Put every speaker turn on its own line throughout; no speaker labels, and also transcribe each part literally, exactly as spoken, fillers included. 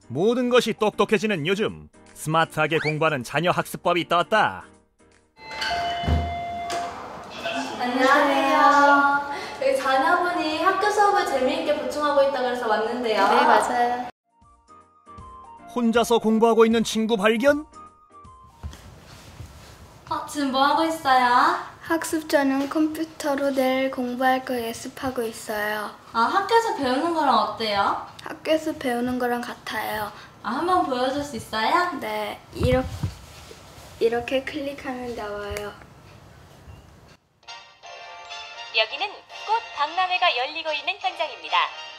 모든 것이 똑똑해지는 요즘, 스마트하게 공부하는 자녀 학습법이 떴다.
안녕하세요. 여기 자녀분이 학교 수업을 재미있게 보충하고 있다고 해서 왔는데요.
네, 맞아요.
혼자서 공부하고 있는 친구 발견?
어, 지금 뭐 하고 있어요?
학습 전용 컴퓨터로 내일 공부할 거 예습하고 있어요.
아, 학교에서 배우는 거랑 어때요?
학교에서 배우는 거랑 같아요.
아, 한번 보여줄 수 있어요?
네, 이렇게, 이렇게 클릭하면 나와요.
여기는 꽃 박람회가 열리고 있는 현장입니다.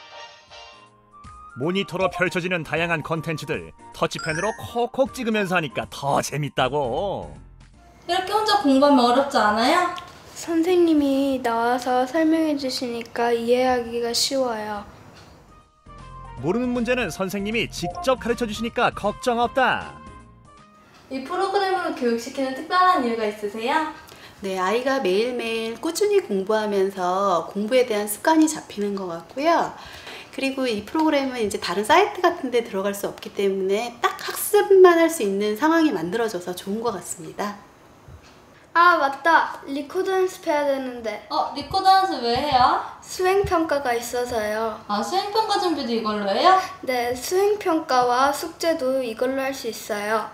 모니터로 펼쳐지는 다양한 컨텐츠들 터치펜으로 콕콕 찍으면서 하니까 더 재밌다고.
이렇게 혼자 공부하면 어렵지 않아요?
선생님이 나와서 설명해 주시니까 이해하기가 쉬워요.
모르는 문제는 선생님이 직접 가르쳐 주시니까 걱정 없다.
이 프로그램으로 교육시키는 특별한 이유가 있으세요?
네, 아이가 매일매일 꾸준히 공부하면서 공부에 대한 습관이 잡히는 것 같고요. 그리고 이 프로그램은 이제 다른 사이트 같은 데 들어갈 수 없기 때문에 딱 학습만 할 수 있는 상황이 만들어져서 좋은 것 같습니다.
아, 맞다. 리코더 연습해야 되는데.
어, 리코더 연습 왜 해요?
수행평가가 있어서요.
아, 수행평가 준비도 이걸로 해요?
네, 수행평가와 숙제도 이걸로 할 수 있어요.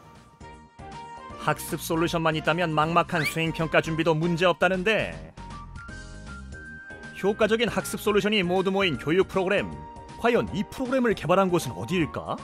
학습 솔루션만 있다면 막막한 수행평가 준비도 문제없다는데, 효과적인 학습 솔루션이 모두 모인 교육 프로그램, 과연 이 프로그램을 개발한 곳은 어디일까?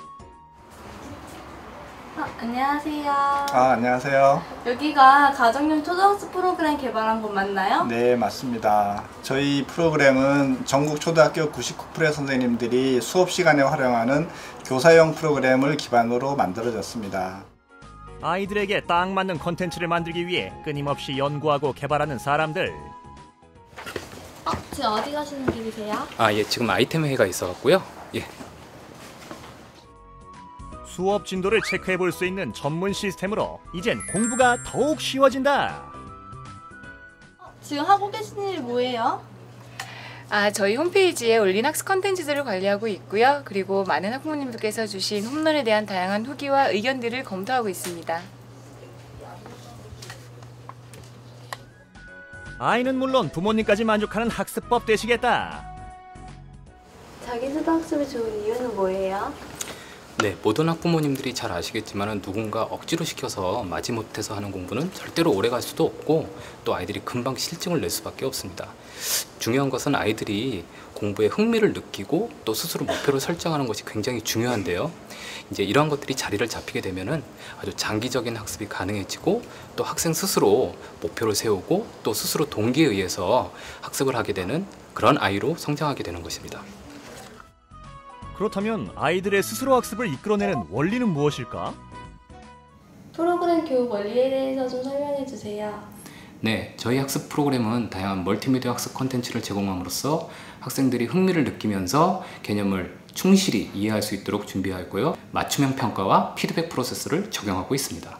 어, 안녕하세요.
아, 안녕하세요.
여기가 가정용 초등학습 프로그램 개발한 곳 맞나요?
네, 맞습니다. 저희 프로그램은 전국 초등학교 구십구 퍼센트의 선생님들이 수업 시간에 활용하는 교사용 프로그램을 기반으로 만들어졌습니다.
아이들에게 딱 맞는 콘텐츠를 만들기 위해 끊임없이 연구하고 개발하는 사람들.
어, 지금 어디 가시는 길이세요?
아, 예, 지금 아이템 회의가 있어갖고요. 예.
수업 진도를 체크해 볼 수 있는 전문 시스템으로 이젠 공부가 더욱 쉬워진다.
어, 지금 하고 계신 일이 뭐예요?
아, 저희 홈페이지에 올린 학습 컨텐츠들을 관리하고 있고요. 그리고 많은 학부모님들께서 주신 홈런에 대한 다양한 후기와 의견들을 검토하고 있습니다.
아이는 물론 부모님까지 만족하는 학습법 되시겠다.
자기주도 학습이 좋은 이유는 뭐예요?
네, 모든 학부모님들이 잘 아시겠지만 누군가 억지로 시켜서 마지못해서 하는 공부는 절대로 오래 갈 수도 없고 또 아이들이 금방 실증을 낼 수밖에 없습니다. 중요한 것은 아이들이 공부에 흥미를 느끼고 또 스스로 목표를 설정하는 것이 굉장히 중요한데요. 이제 이러한 것들이 자리를 잡히게 되면은 아주 장기적인 학습이 가능해지고 또 학생 스스로 목표를 세우고 또 스스로 동기에 의해서 학습을 하게 되는 그런 아이로 성장하게 되는 것입니다.
그렇다면 아이들의 스스로 학습을 이끌어내는 원리는 무엇일까?
프로그램 교육 원리에 대해서 좀 설명해 주세요.
네, 저희 학습 프로그램은 다양한 멀티미디어 학습 콘텐츠를 제공함으로써 학생들이 흥미를 느끼면서 개념을 충실히 이해할 수 있도록 준비하였고요. 맞춤형 평가와 피드백 프로세스를 적용하고 있습니다.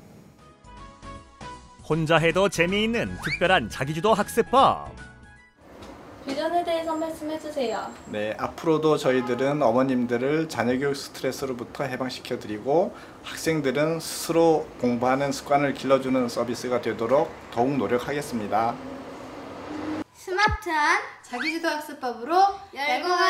혼자 해도 재미있는 특별한 자기주도 학습법.
비전에 대해서 말씀해 주세요.
네, 앞으로도 저희들은 어머님들을 자녀교육 스트레스로부터 해방시켜드리고 학생들은 스스로 공부하는 습관을 길러주는 서비스가 되도록 더욱 노력하겠습니다.
스마트한
자기주도 학습법으로
열고